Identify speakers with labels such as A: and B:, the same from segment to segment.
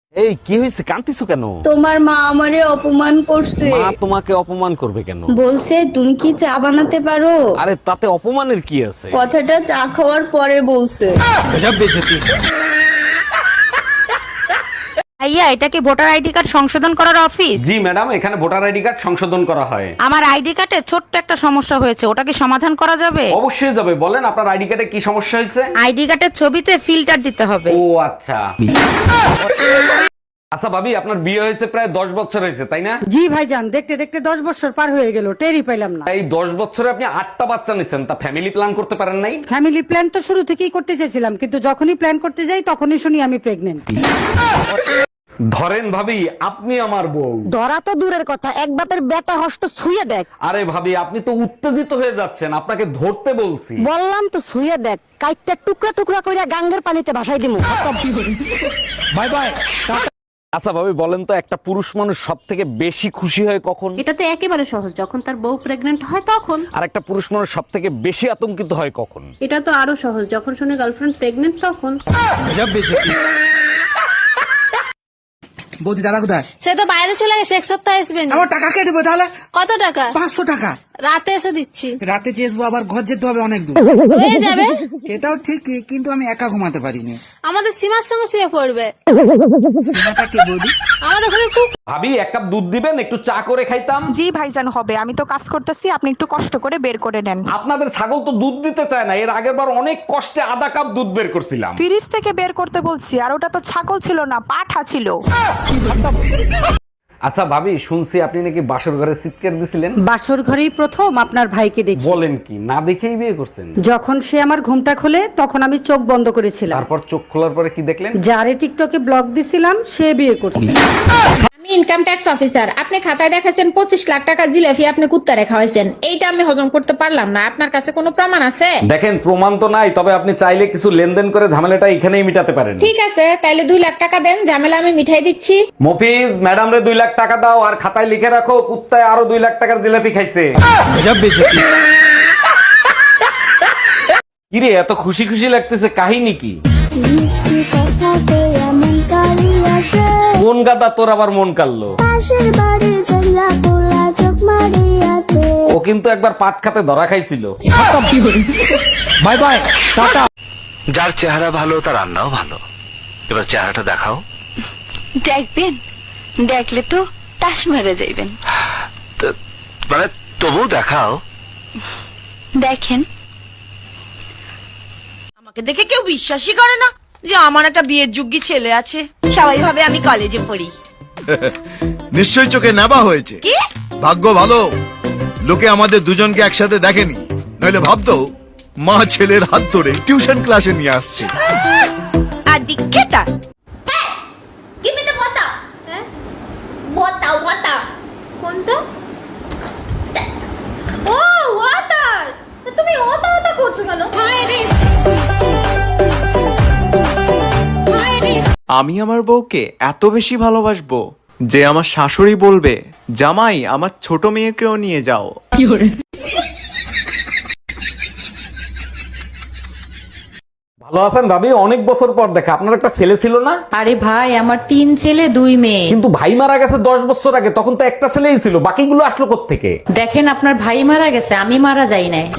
A: এই কি হয়েছে, কাঁদতেছো কেন?
B: তোমার মা আমারে অপমান করছে।
A: মা তোমাকে অপমান করবে কেন?
B: বলছে তুমি কি চা বানাতে পারো।
A: আরে তাতে অপমানের কি আছে?
B: কথাটা চা খাওয়ার পরে বলছে।
C: ভাইয়া, এটা কি ভোটার আইডি কার্ড সংশোধন করার অফিস?
A: জি ম্যাডাম, এখানে ভোটার আইডি কার্ড সংশোধন করা হয়।
C: আমার আইডি কার্ডে ছোট্ট একটা সমস্যা হয়েছে, ওটা কি সমাধান করা যাবে?
A: অবশ্যই যাবে, বলেন আপনার আইডি কার্ডে কি সমস্যা হয়েছে?
C: আইডি কার্ডের ছবিতে ফিল্টার দিতে হবে।
A: ও আচ্ছা। আচ্ছা ভাবি, আপনার বিয়ে হয়েছে প্রায় 10 বছর হয়েছে তাই না?
D: জি ভাইজান, দেখতে দেখতে 10 বছর পার হয়ে গেল, টেরই পাইলাম না।
A: এই 10 বছরে আপনি 8টা বাচ্চা নিচ্ছেন, তা ফ্যামিলি প্ল্যান করতে পারেন নাই?
D: ফ্যামিলি প্ল্যান তো শুরু থেকেই করতে চেয়েছিলাম, কিন্তু যখনই প্ল্যান করতে যাই তখনই শুনি আমি প্রেগনেন্ট।
A: ধরেন ভাবি, আপনি আমার বউ।
D: ধরা তো দূরের কথা, এক বাপের বেটা হস্ত ছুঁয়ে দেখ।
A: আরে ভাবি, আপনি তো উত্তেজিত হয়ে যাচ্ছেন, আপনাকে ধরতে বলছি।
D: বললাম তো ছুঁয়ে দেখ, কাইটটা টুকরা টুকরা কইরা গাঙ্গের পানিতে ভাসাই দিমু।
A: Bye bye. আচ্ছা ভাবি, বলেন তো একটা পুরুষ মানুষ সব থেকে বেশি খুশি হয় কখন?
E: এটা তো একেবারে সহজ, যখন তার বউ প্রেগনেন্ট হয় তখন।
A: আর একটা পুরুষ মানুষ সব থেকে বেশি আতঙ্কিত হয় কখন?
E: এটা তো আরো সহজ, যখন শুনে গার্লফ্রেন্ড প্রেগনেন্ট তখন।
F: বৌদি দাদা কোথায়?
G: সে তো বাইরে চলে গেছে, এক সপ্তাহ আসবেন।
F: আমার টাকা কে দেবো তাহলে?
G: কত টাকা?
F: 500 টাকা।
G: রাতে এসে দিচ্ছি।
F: রাতে চেয়েছবো, আবার ঘর যেতে হবে অনেক দূর।
G: হয়ে যাবে।
F: এটাও ঠিক, কিন্তু আমি একা ঘুমাতে পারিনি।
G: আমাদের সীমার সঙ্গে শুয়ে পড়বে।
F: সীমাটা কে বৌদি?
G: আমাদের ঘরে খুব।
A: ভাবি, এক কাপ দুধ দিবেন, একটু চা করে খাইতাম।
C: জি ভাইজান, হবে, আমি তো কাজ করতেছি, আপনি একটু কষ্ট করে বের করে নেন।
A: আপনাদের ছাগল তো দুধ দিতে চায় না, এর আগের বার অনেক কষ্টে আধা কাপ দুধ বের করছিলাম।
C: ফ্রিজ থেকে বের করতে বলছি, আর ওটা তো ছাগল ছিল না, পাঠা ছিল।
A: আচ্ছা ভাবি, শুনছি আপনি নাকি বাসর ঘরে চিৎকার দিছিলেন।
D: বাসর ঘরেই প্রথম আপনার ভাইকে দেখি।
A: বলেন কি, না দেখেই বিয়ে করছেন?
D: যখন সে আমার ঘুমটা খোলে তখন আমি চোখ বন্ধ করেছিলাম।
A: তারপর চোখ খোলার পরে কি দেখলেন?
D: যারে টিকটকে ব্লক দিছিলাম সে বিয়ে করছে।
H: আমি ইনকাম ট্যাক্স অফিসার। আপনি খাতায় দেখাছেন 25 লাখ টাকা জিলাপি আপনি কুত্তারে খাওয়াইছেন। এইটা আমি হজম করতে পারলাম না। আপনার কাছে কোনো প্রমাণ আছে?
A: দেখেন, প্রমাণ তো নাই, তবে আপনি চাইলে কিছু লেনদেন করে ঝামেলাটা এখানেই মিটাতে পারেন।
H: ঠিক আছে, তাইলে 2 লাখ টাকা দেন, ঝামেলা আমি মিঠাই দিচ্ছি।
A: মফিজ, ম্যাডাম রে 2 লাখ টাকা দাও, আর খাতায় লিখে রাখো কুত্তায় আরো 2 লাখ টাকার জিলাপি খাইছে। কিরে, এত খুশি খুশি লাগতেছে, কাহিনী কি? কোন গাদা তোর আবার মন কাড়লো? ও কিন্তু একবার পাট খাতে ধরা খাইছিল।
F: Bye bye, tata.
I: যার চেহারা ভালো তার রান্নাও ভালো। এবার চেহারাটা দেখাও।
G: দেখবেন, দেখলে তো টাস মেরে যাইবেন।
I: মানে তবু দেখাও।
G: দেখেন।
C: আমাকে দেখে কেউ বিশ্বাসই করে না যে আমার একটা বিয়ের যোগ্যী ছেলে আছে। সবাই ভাবে আমি কলেজে পড়ি।
J: নিশ্চয়ই চোখে নেবা হয়েছে। ভাগ্য ভালো, লোকে আমাদের দুজনকে একসাথে দেখেনি, নইলে ভাবতো মা ছেলের হাত ধরে টিউশন ক্লাসে নিয়ে আসছে।
C: আর দিকেতা
H: Give me the water. Water, water. কোনটা? ও ওয়াটার। তুমি ওটা ওটা করছো কেন?
K: আমি আমার বউকে এত বেশি ভালোবাসবো যে আমার শাশুড়ি বলবে, জামাই আমার ছোট মেয়েকেও নিয়ে যাও।
A: ভালো আছেন ভাবি? অনেক বছর পর দেখা। আপনার একটা ছেলে ছিল না?
E: আরে ভাই, আমার 3 ছেলে 2 মেয়ে।
A: কিন্তু ভাই মারা গেছে 10 বছর আগে, তখন তো একটা ছেলেই ছিল, বাকিগুলো আসলো কোত্থেকে?
E: দেখেন, আপনার ভাই মারা গেছে, আমি মারা যাই নাই।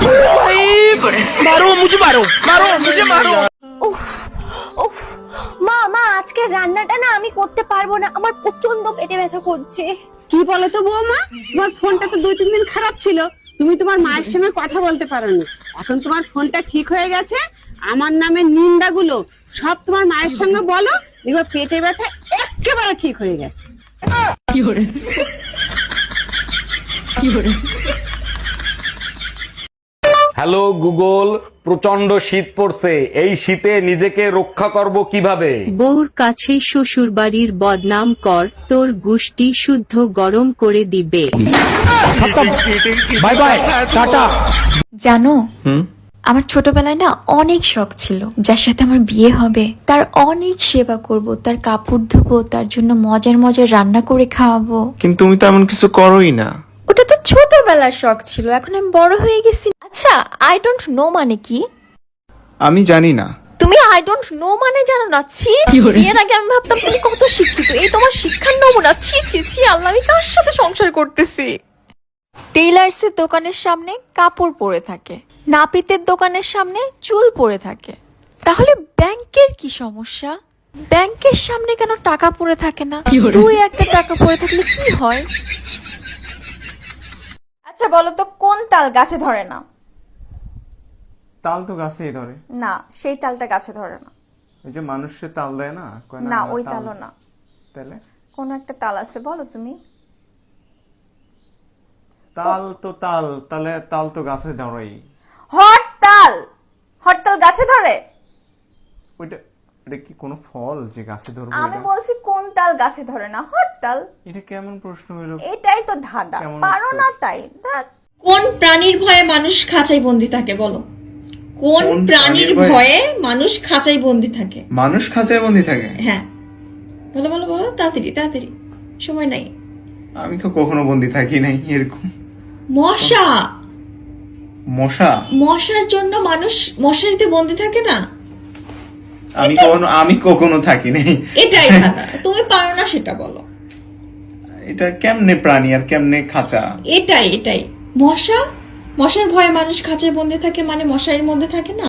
G: মা আজকে রান্নাটা না আমি করতে পারবো না, আমার প্রচন্ড পেটে ব্যথা করছে।
B: কি বলো তো বৌমা, তোমার ফোনটা তো 2-3 দিন খারাপ ছিল, তুমি তোমার মায়ের সঙ্গে কথা বলতে পারোনি। এখন তোমার ফোনটা ঠিক হয়ে গেছে, আমার নামে নিন্দাগুলো সব তোমার মায়ের সঙ্গে বলো, দেখবে পেটে ব্যথা একেবারে ঠিক হয়ে গেছে।
A: হ্যালো গুগল, প্রচন্ড শীত পড়ছে, এই শীতে নিজেকে রক্ষা করব কিভাবে?
E: বউর কাছে শ্বশুর বাড়ির বদনাম কর, তোর গুষ্টি শুদ্ধ গরম করে দিবে।
F: Bye bye, tata.
G: জানো, আমার ছোটবেলায় না অনেক শখ ছিল, যার সাথে আমার বিয়ে হবে তার অনেক সেবা করব, তার কাপড় ধোবো, তার জন্য মজার মজার রান্না করে খাওয়াবো।
K: কিন্তু তুমি তো এমন কিছু করোই না।
G: ওটা তো ছোটবেলার শখ ছিল, এখন আমি বড় হয়ে গেছি। আচ্ছা, আই ডোন্ট নো মানে কি?
K: আমি জানি না।
G: তুমি তুমি আই ডোন্ট নো মানে জানো না। ছি, বিয়ের আগে আমি ভাবতাম তুমি কত শিক্ষিত, এই তোমার শিক্ষার নমুনা। ছি ছি ছি, আল্লাহ, আমি কার সাথে সংসার করতেছি। টেইলার্সের দোকানের সামনে কাপড় পরে থাকে, নাপিতের দোকানের সামনে চুল পরে থাকে, তাহলে ব্যাংকের কি সমস্যা? ব্যাংকের সামনে কেন টাকা পড়ে থাকে না? দুই একটা টাকা পড়ে থাকলে কি হয়?
C: আচ্ছা বলো তো, কোন তাল গাছে ধরে না?
K: তাল তো গাছেই ধরে।
C: না, সেই তালটা গাছে ধরে না।
K: ওই যে মানুষকে তাল দেয় না, কয়
C: না,
K: আমার
C: ওই
K: তাল।
C: তালও না।
K: তাহলে
C: কোন একটা তাল আছে, বলো তুমি।
K: তাল তো তাল, তাহলে তাল তো গাছে ধরেই।
C: হরতাল, হরতাল গাছে ধরে?
K: ওইটা এটা কি কোনো ফল যে গাছে ধরবে?
C: আমি বলছি কোন তাল গাছে ধরে না? হরতাল।
K: এটা কেমন প্রশ্ন হইলো?
C: এটাই তো ধাঁধা,
K: কেমন
C: পারো
K: উত্তর?
C: না তাই।
H: কোন প্রাণীর ভয়ে মানুষ খাঁচায় বন্দি থাকে বলো? কোন
K: কোন
H: প্রাণীর
K: প্রাণীর ভয়ে?
H: ভয়ে মানুষ খাঁচায় বন্দি থাকে?
K: মানুষ খাঁচায় বন্দি থাকে?
H: হ্যাঁ, বলো বলো বলো, তাড়াতাড়ি তাড়াতাড়ি, সময় নাই।
K: আমি তো কখনো বন্দি থাকি নাই এরকম।
H: মশা।
K: মশা?
H: মশার জন্য মানুষ মশারিতে বন্দি থাকে না?
K: আমি কখনো থাকি নাই।
H: এটাই ধাঁধা, তুমি পারো না সেটা বলো।
K: এটা কেমনে প্রাণী আর কেমনে খাঁচা?
H: এটাই মশা, মশার ভয়ে মানুষ খাঁচায় বন্দি থাকে মানে মশারির মধ্যে থাকে না।